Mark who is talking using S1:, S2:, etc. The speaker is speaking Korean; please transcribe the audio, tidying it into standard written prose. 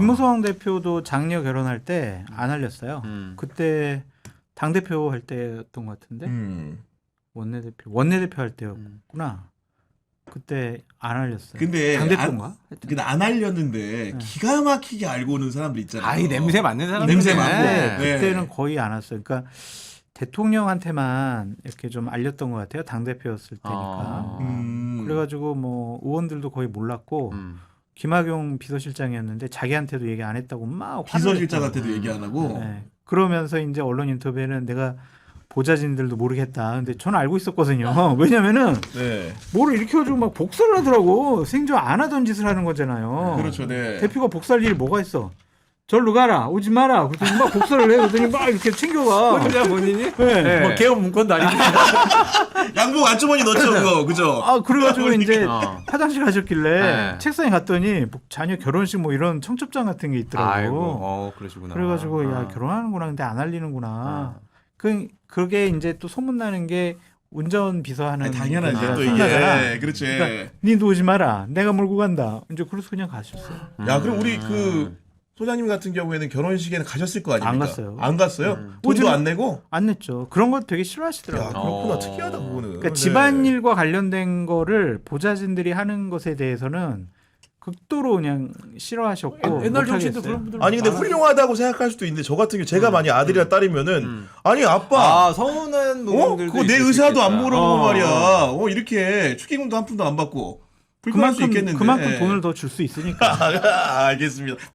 S1: 김무성 대표도 장녀 결혼할 때 안 알렸어요. 그때 당 대표 할 때였던 것 같은데 원내대표 할 때였구나. 그때 안 알렸어요.
S2: 근데
S1: 당 대표인가?
S2: 근데 안 알렸는데 기가 막히게 알고 오는 사람들 있잖아요.
S3: 아이 냄새 맡는 사람.
S2: 냄새 맡고.
S1: 네.
S2: 네.
S1: 그때는 거의 안 왔어요. 그러니까 대통령한테만 이렇게 좀 알렸던 것 같아요. 당 대표였을 때니까. 그래가지고 뭐 의원들도 거의 몰랐고 김학용 비서실장이었는데 자기한테도 얘기 안 했다고 막
S2: 비서실장한테도 얘기 안 하고.
S1: 네. 그러면서 이제 언론 인터뷰에는 내가 보좌진들도 모르겠다. 근데 저는 알고 있었거든요. 왜냐면은
S2: 네.
S1: 뭐를 일으켜가지고 막 복사를 하더라고. 생전 안 하던 짓을 하는 거잖아요.
S2: 그렇죠. 네.
S1: 대표가 복사할 일이 뭐가 있어? 절로 가라, 오지 마라. 그랬더니 막 복사를 해. 그랬더니 막 이렇게 챙겨가.
S3: 혼자 본인이?
S1: 네.
S3: 뭐 개업 문건도 아니고.
S2: 양복 안주머니 넣죠, 그거. 그죠?
S1: 아, 그래가지고 이제 화장실 가셨길래
S3: 네.
S1: 책상에 갔더니 뭐 자녀 결혼식 뭐 이런 청첩장 같은 게 있더라고.
S3: 아이고, 그러시구나.
S1: 그래가지고 야 결혼하는구나, 근데 안 알리는구나. 그게 이제 또 소문 나는 게 운전 비서하는
S2: 당연하죠. 또
S1: 손자잖아.
S2: 이게. 그렇지.
S1: 그러니까 니도 오지 마라. 내가 몰고 간다. 이제 그래서 그냥 가셨어요.
S2: 야, 그럼 우리 그 소장님 같은 경우에는 결혼식에는 가셨을 거 아닙니까?
S1: 안 갔어요.
S2: 안 갔어요? 돈도 안 내고?
S1: 안 냈죠. 그런 거 되게
S2: 야,
S1: 싫어하시더라고요.
S2: 그렇구나. 특이하다, 그거는.
S1: 그러니까
S2: 네.
S1: 집안일과 관련된 거를 보좌진들이 하는 것에 대해서는 극도로 그냥 싫어하셨고
S3: 옛날 정치인도
S1: 못하겠어요.
S3: 그런 분들
S2: 아니 근데 훌륭하다고 생각할 수도 있는데 저 같은 경우 제가 만약 아들이나 딸이면은 아니 아빠
S3: 서운한 부분들도
S2: 그거 내
S3: 있을 수
S2: 의사도 안
S3: 있겠다.
S2: 물어보고 말이야 이렇게 축의금도 한 푼도 안 받고 불편할 수 있겠는데
S1: 그만큼 돈을 더 줄 수 있으니까.
S2: 알겠습니다.